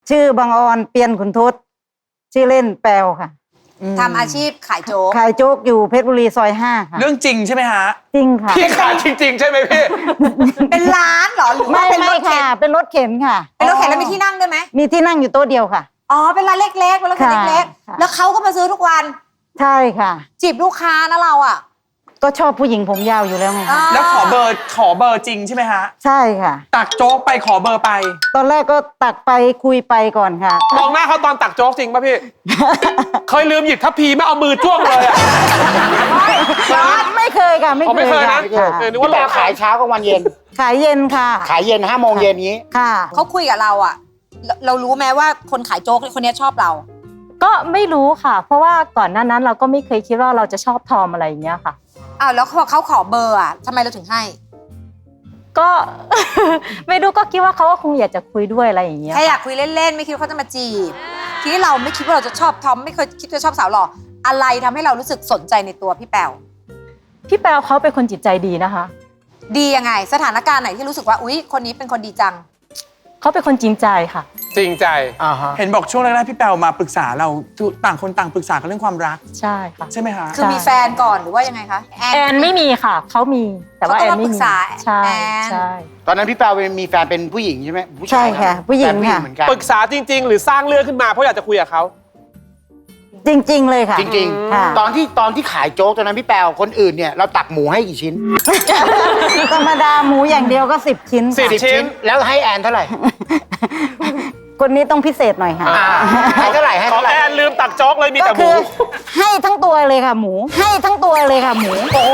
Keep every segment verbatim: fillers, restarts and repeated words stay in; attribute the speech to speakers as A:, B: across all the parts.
A: ชื่อบางออนเปียนขุนทศชื่อเล่นแปลวค่ะ
B: ทำอาชีพขายโจ๊ก
A: ขายโจ๊กอยู่เพชรบุรีซอยห้าค่ะ
C: เรื่องจริงใช่ไหมฮะ
A: จริงค่ะ
D: พี่ขายจริงๆใช่ไหมพี่
B: เป็นร้านเหรอหรือว่า
A: ไม่
B: เป็นร
A: ไม่
B: ถเข็น
A: ค่ะเป็นรถเข็นค่ะ
B: เป็นรถเข็นแล้วมีที่นั่งด้วยไหม
A: มีที่นั่งอยู่โต๊ะเดียวค่ะ
B: อ๋อเป็นร้านเล็กๆเป็นรถเข็นเล็กๆแล้วเขาก็มาซื้อทุกวัน
A: ใช่ค่ะ
B: จีบลูกค้านะเราอ่ะ
A: ก็ชอบผู้หญิงผมยาวอยู่แล้วไง
C: แล้วขอเบอร์ขอเบอร์จริงใช่ไหมฮะ
A: ใช่ค่ะ
C: ตักโจ๊กไปขอเบอร์ไป
A: ตอนแรกก็ตักไปคุยไปก่อนค่ะ
D: มองหน้าเขาตอนตักโจ๊กจริงป่ะพี่ เคยลืมหยิบทัพพีไม่เอามือจ้วงเลยอ่ะ
A: ไม่เคยค่ะไม่
D: ไม่เคยนะ
E: นึกว่าเราขายเช้ากับวันเย็น
A: ขายเย็นค่ะ
E: ขายเย็นห้าโมงเย็นนี้
A: ค่ะ
B: เขาคุยกับเราอ่ะเรารู้ไหมว่าคนขายโจ๊กคนนี้ชอบเรา
F: ก็ไม่รู้ค่ะเพราะว่าก่อนหน้านั้นเราก็ไม่เคยคิดว่าเราจะชอบทอมอะไรอย่างเงี้ยค่ะ
B: อ้าวแล้วพอเขาขอเบอร์อ่ะทำไมเราถึงให้
F: ก็ ไม่รู้ก็คิดว่าเขาก็คงอยากจะคุยด้วยอะไรอย่างเงี้ย
B: แค่อยากคุยเล่นๆไม่คิดว่าเขาจะมาจีบทีนี้เราไม่คิดว่าเราจะชอบทอมไม่เคยคิดว่าชอบสาวหล่ออะไรทำให้เรารู้สึกสนใจในตัวพี่แปว
F: พี่แปวเขาเป็นคนจิตใจดีนะคะ
B: ดียังไงสถานการณ์ไหนที่รู้สึกว่าอุ๊ยคนนี้เป็นคนดีจัง
F: เขาเป็นคนจริงใจค่ะ
D: จริงใจ
C: เห็นบอกช่วงแรกๆพี่แปวมาปรึกษาเราต่างคนต่างปรึกษากันเรื่องความรัก
F: ใช่ค่ะ
C: ใช่ไหมคะ
B: คือมีแฟนก่อนหรือว่ายังไงคะ
F: แอนไม่มีค่ะเขามีแต่ว่าแอนไม่มีใช่ใช่
E: ตอนนั้นพี่แปวมีแฟนเป็นผู้หญิงใช่ไหม
A: ใช่ค่ะผู้หญิงค่ะ
D: ปรึกษาจริงๆหรือสร้างเรื่องขึ้นมาเพราะอยากจะคุยกับเขา
A: จริงๆเลยค่ะ
E: จริงๆตอนที่ตอนที่ขายโจ๊กตอนนั้นพี่แปวคนอื่นเนี่ยเราตักหมูให้กี่ชิ้น
A: ธรรมดาหมูอย่างเดียวก็สิบชิ้น
D: สิบชิ้น
E: แล้วให้แอนเท่าไหร่
A: คนนี้ต้องพิเศษหน่อยค่ะ
E: ให้เท่าไหร่ให้เท่าไหร่
D: แอนลืมตักโจ๊กเลยมีแต่หมู
A: ให้ทั้งตัวเลยค่ะหมูให้ทั้งตัวเลยค่ะหมู
B: โอ้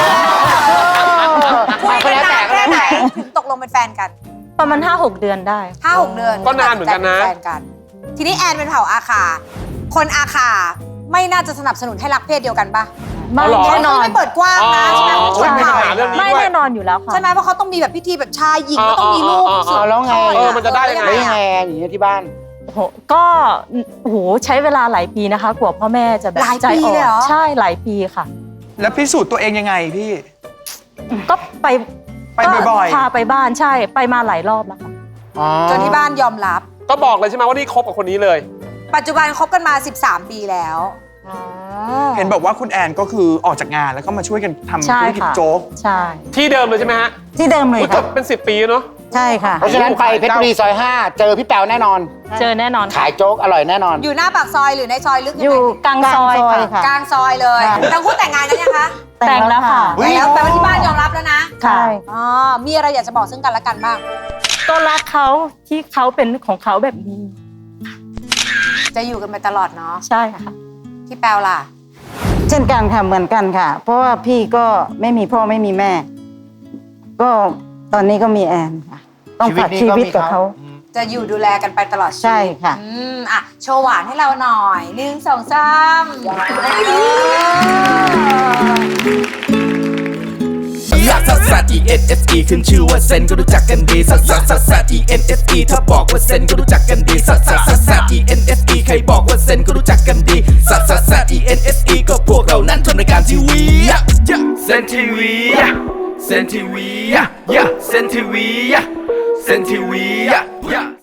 B: คุยกันนานแค่ไหนถึงตกลงเป็นแฟนกัน
F: ประมาณห้าหกเดือนได้
B: ห้าหกเดือน
D: ก็นานเหมือนกันนะ
B: ทีนี้แอนเป็นเผ่าอาคาคนอาคาไม่น่าจะสนับสนุนให้รักเพศเดียวกันปะ
F: ไม่แน่นอน
B: ไม่เปิดกว้างนะใช่ไหมคนเผ่า
F: ไม่แน่นอนอยู่แล้วค่ะ
B: ใช่ไหมเพราะเขาต้องมีแบบพิธีแบบชายหญิงก็ต้องมีลูกสุด
E: แล้วไง
D: เออมันจะได้ยังไง
E: ยังไงอย่างเงี้ยที่บ้าน
F: ก็โหใช้เวลาหลายปีนะคะกว่าพ่อแม่จะแบบใจอ่อนใช่หลายปีค่ะ
C: แล้วพิสูจน์ตัวเองยังไงพี่
F: ก็ไป
C: ไปบ่อย
F: ๆพาไปบ้านใช่ไปมาหลายรอบแล้วค่ะ
B: จนที่บ้านยอมรับ
D: ก็บอกเลยใช่ไหมว่านี่คบกับคนนี้เลย
B: ปัจจุบันคบกันมาสิบสามปีแล้ว
C: เห็นบอกว่าคุณแอนก็คือออกจากงานแล้วก็มาช่วยกันทำธุรกิจโจ๊ก
F: ใช่
D: ที่เดิมเลยใช่ไหมฮะ
A: ที่เดิมเลยค่ะ
D: เป็นสิบปีเนาะ
A: ใช่ค่ะ
E: เพราะฉะนั้นไปเพชรบุรีซอยห้าเจอพี่แปวแน่นอน
F: เจอแน่นอน
E: ขายโจ๊กอร่อยแน่นอน
B: อยู่หน้าปากซอยหรือในซอยลึก
F: อยู่กลางซอย
A: ค่ะ
B: กลางซอยเลยทั้งคู่แต่งงานกันยังคะ
F: แต่งแล้วค่ะ
B: แล้วแปลว่าที่บ้านยอมรับแล้วนะ
F: ใช่
B: อ๋อมีอะไรอยากจะบอกซึ่งกันและกันบ้าง
F: ก็รักเขาที่เขาเป็นของเขาแบบนี้
B: จะอยู่กันไปตลอดเนาะ
F: ใช่ค่ะ
B: พี่แปวล่ะ
A: เช่นกันค่ะเหมือนกันค่ะเพราะว่าพี่ก็ไม่มีพ่อไม่มีแม่ก็ตอนนี้ก็มีแอนค่ะต้องฝากชีวิตกับเขา
B: จะอยู่ดูแลกันไปตลอด
A: ใช่ค่ะ
B: อืมอ่ะโชว์หวานให้เราหน่อยหนึ่งสองสาม
G: ซัสซัส E N S E ขึ้นชื่อว่าเซนก็รู้จักกันดีซัสซัสซัสซัส E N S E ถ้าบอกว่าเซนก็รู้จักกันดีซัสซัสซัสซัส E N S E ใครบอกว่าเซนก็รู้จักกันดีซัสซัสซัส E N S E ก็พวกเรานั้นทำรายการทีวีเซนทีวีเซนทีวีเซนทีวีเซนทีวี